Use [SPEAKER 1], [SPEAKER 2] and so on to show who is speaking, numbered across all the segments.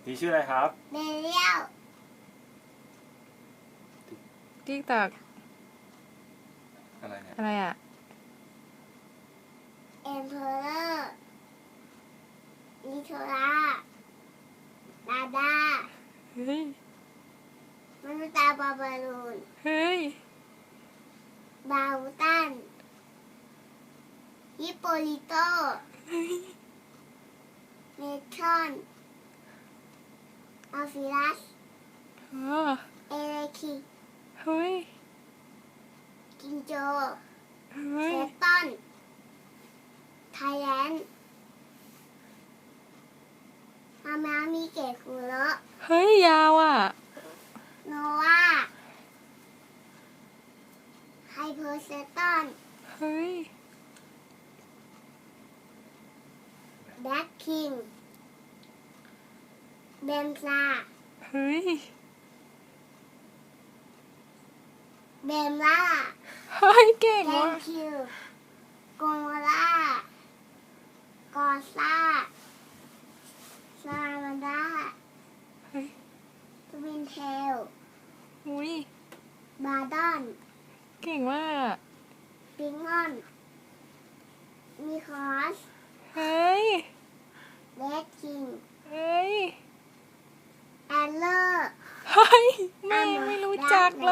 [SPEAKER 1] นี่ชื่ออะไรครับ
[SPEAKER 2] เบลเลียว
[SPEAKER 3] ติ๊กตอก
[SPEAKER 1] อะไรเนี่ย
[SPEAKER 3] อะไรอ่ะ
[SPEAKER 2] เอ็มเพอเรอร์ลิโทราดาดา
[SPEAKER 3] เฮ้ย
[SPEAKER 2] มนุษย์ตาบาบาลูน
[SPEAKER 3] เฮ้ย
[SPEAKER 2] บาวูตันฮิปโปลิโตเมทรอนอัลฟิรัส
[SPEAKER 3] อ๋อ
[SPEAKER 2] เอเลคิ
[SPEAKER 3] เฮ้ย
[SPEAKER 2] กินโจ
[SPEAKER 3] เฮ้
[SPEAKER 2] เซ
[SPEAKER 3] ย
[SPEAKER 2] ตันไทยแลนด์มามีเกตคุโระ
[SPEAKER 3] เฮ้ย ยาวอ่ะ
[SPEAKER 2] โนวาไฮเพอร์เซตัน
[SPEAKER 3] เฮ้ย
[SPEAKER 2] แบล็คคิงเบมซา
[SPEAKER 3] เฮ้ย
[SPEAKER 2] เบมล่า
[SPEAKER 3] เฮ้ย เก่ง
[SPEAKER 2] แกน
[SPEAKER 3] ว่ะ
[SPEAKER 2] คิวโกโมล่ากอซ่าซามันดา
[SPEAKER 3] เฮ้ย
[SPEAKER 2] ทวินเทล
[SPEAKER 3] อุ้ย
[SPEAKER 2] บาดอน
[SPEAKER 3] เก่งมากอ่ะ
[SPEAKER 2] ปิงออนมีคอส
[SPEAKER 3] เฮ้ย
[SPEAKER 2] เรดคิง
[SPEAKER 3] เฮ้ย
[SPEAKER 2] แอนเลอร์
[SPEAKER 3] เฮ้ย ไม่รู้จักเลย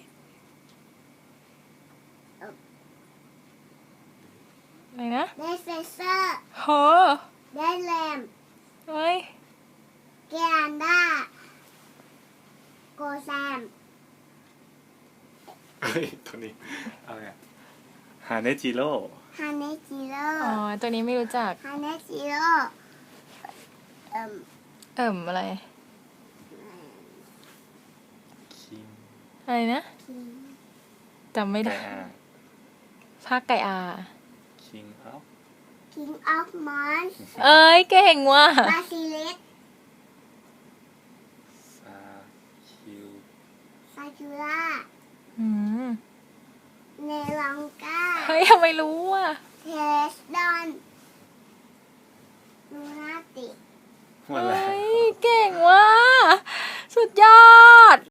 [SPEAKER 3] อะไรนะ
[SPEAKER 2] เดซเฟเซอร์
[SPEAKER 3] โห
[SPEAKER 2] เดนแลม
[SPEAKER 3] เฮ้ย
[SPEAKER 2] เกอันดาโกแซม
[SPEAKER 1] เฮ้ยตัวนี้อะไรอะฮาเนจิโร่
[SPEAKER 2] ฮาเนจิโร่
[SPEAKER 3] อ๋อ ตัวนี้ไม่รู้จัก
[SPEAKER 2] ฮาเนจิโร่เอิ่ม
[SPEAKER 3] อะไร
[SPEAKER 1] คิง
[SPEAKER 3] อะไรนะ
[SPEAKER 2] คิง
[SPEAKER 3] จำไม่
[SPEAKER 1] ไก่
[SPEAKER 3] ได้
[SPEAKER 1] อา
[SPEAKER 3] ภาคไก่อา
[SPEAKER 1] คิงอัพ
[SPEAKER 2] คิงออฟมอนส์
[SPEAKER 3] เอ้ย เก่งว่ะ
[SPEAKER 2] บาซิลิส
[SPEAKER 1] ซาคิว
[SPEAKER 2] ซาจูรา
[SPEAKER 3] อืม
[SPEAKER 2] เนลองกา
[SPEAKER 3] เฮ้ยทำไมรู้อ่ะ
[SPEAKER 2] เทสดอนลูนาติ
[SPEAKER 1] หมดแล้ว
[SPEAKER 3] เฮ้ย เก่งว่ะ สุดยอด